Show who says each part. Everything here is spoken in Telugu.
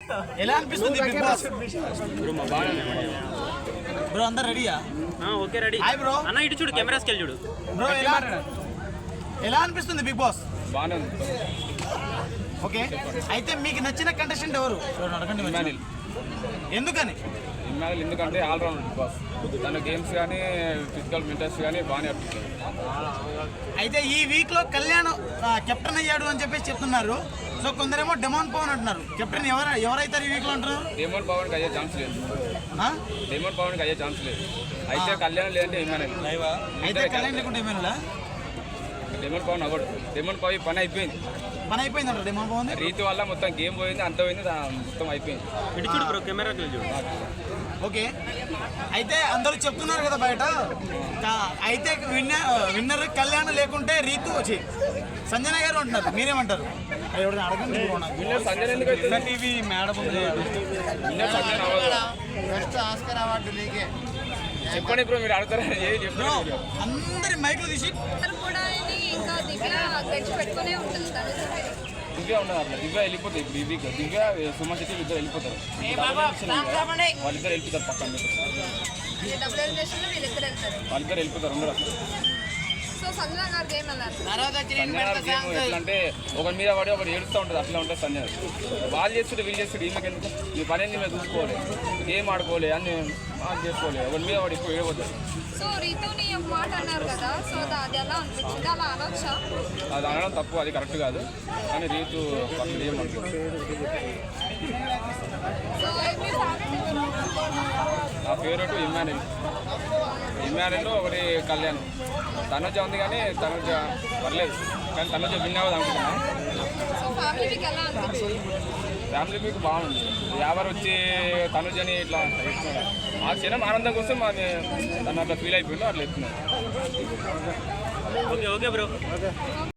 Speaker 1: ఎలా అనిపిస్తుంది బిగ్ బాస్? బ్రో అందరు రెడీయా?
Speaker 2: Okay ready.
Speaker 1: Hi bro.
Speaker 2: అన్న ఇటు చూడు, కెమెరాస్కి వెళ్ళి చూడు.
Speaker 1: బ్రో ఎలా అనిపిస్తుంది బిగ్ బాస్?
Speaker 3: బాగానే ఉంది.
Speaker 1: ఓకే, అయితే మీకు నచ్చిన కంటెస్టెంట్ ఎవరు?
Speaker 3: ఇమ్మాన్యుల్.
Speaker 1: ఎందుకని?
Speaker 3: ఇమ్మాన్యుల్ ఎందుకంటే ఆల్రౌండ్ బిగ్ బాస్. తన గేమ్స్ కానీ ఫిజికల్ మెంటల్స్ కానీ బాగానే అనిపిస్తుంది.
Speaker 1: అయితే ఈ వీక్ లో కళ్యాణ్ కెప్టెన్ అయ్యాడు అని చెప్పేసి చెప్తున్నారు. సో కొందరేమో డెమాన్ పవన్ అంటున్నారు. కెప్టెన్ ఎవరైతారు ఈ వీక్ లో అంటున్నారు?
Speaker 3: డేమోన్ పవన్కి అయ్యే ఛాన్స్ లేదు. డేమోన్ పవన్కి అయ్యే ఛాన్స్ లేదు. అయితే కళ్యాణ్ లేదంటే ఇమ్మాన్యుల్.
Speaker 1: అయితే కళ్యాణ్ లేకుంటే ఏమైనా
Speaker 3: డేమోన్ పవన్ అవ్వడు. డేమోన్ పవన్ పని అయిపోయింది.
Speaker 1: అంటారు డెమాన్ పవన్.
Speaker 3: రీతి వల్ల మొత్తం గేమ్ పోయింది, అంత పోయింది, మొత్తం అయిపోయింది.
Speaker 2: ఇటు చూడు బ్రో, కెమెరాకి వెళ్ళి చూడు.
Speaker 1: ఓకే, అయితే అందరూ చెప్తున్నారు కదా బయట. అయితే విన్నర్ కళ్యాణ్ లేకుంటే రీతు వచ్చి సంజన గారు అంటున్నారు. మీరేమంటారు? అడగండి.
Speaker 3: సంజయ్ ఎందుకు
Speaker 1: టీవీ మేడం
Speaker 3: చెప్పండి ఇప్పుడు మీరు అడుగుతారా?
Speaker 1: అందరి మైకులు తీసి
Speaker 3: దివ్య ఉండదు అట్లా. దివ్య వెళ్ళిపోతాయి ఇప్పుడు. ఈ వీక్ దివ్య సుమన్ శెట్టి ఇద్దరు వెళ్ళిపోతారు. వాళ్ళిద్దరు వెళ్ళిపోతారు పక్కన. వాళ్ళిద్దరు వెళ్ళిపోతారు అందరూ. గేమ్ ఎట్లా అంటే ఒకరి మీద పడి ఒకరు ఏడుస్తూ ఉంటుంది. అట్లా ఉంటుంది సంజయ్. వాళ్ళు చేస్తుంటే వీళ్ళు చేస్తుంటే ఈమెకి ఎందుకు? మీ పని ఏంది? మేము చూసుకోవాలి, గేమ్ ఆడుకోవాలి, అన్ని చేసుకోవాలి. ఒకరి మీద పడి ఎక్కువ ఏడవద్దు. అది అనడం తప్పు, అది కరెక్ట్ కాదు. కానీ రీతు పక్కన ఏమంటుంది. నా ఫేవరెట్ ఇమ్మాన్యుల్. ఇమ్మాన్యుల్ ఒకటి కళ్యాణ్. తనుజ ఉంది కానీ తనుజ పర్లేదు, కానీ తనుజ విన్ అవ్వదు అనుకుంటున్నా. ఫ్యామిలీ మీకు బాగుంది. ఎవరు వచ్చి తనుజని ఇట్లా ఆ క్షణం ఆనందం కోసం తను అట్లా ఫీల్ అయిపోయిందో అట్లా ఎత్తున్నారు.
Speaker 2: Okay bro.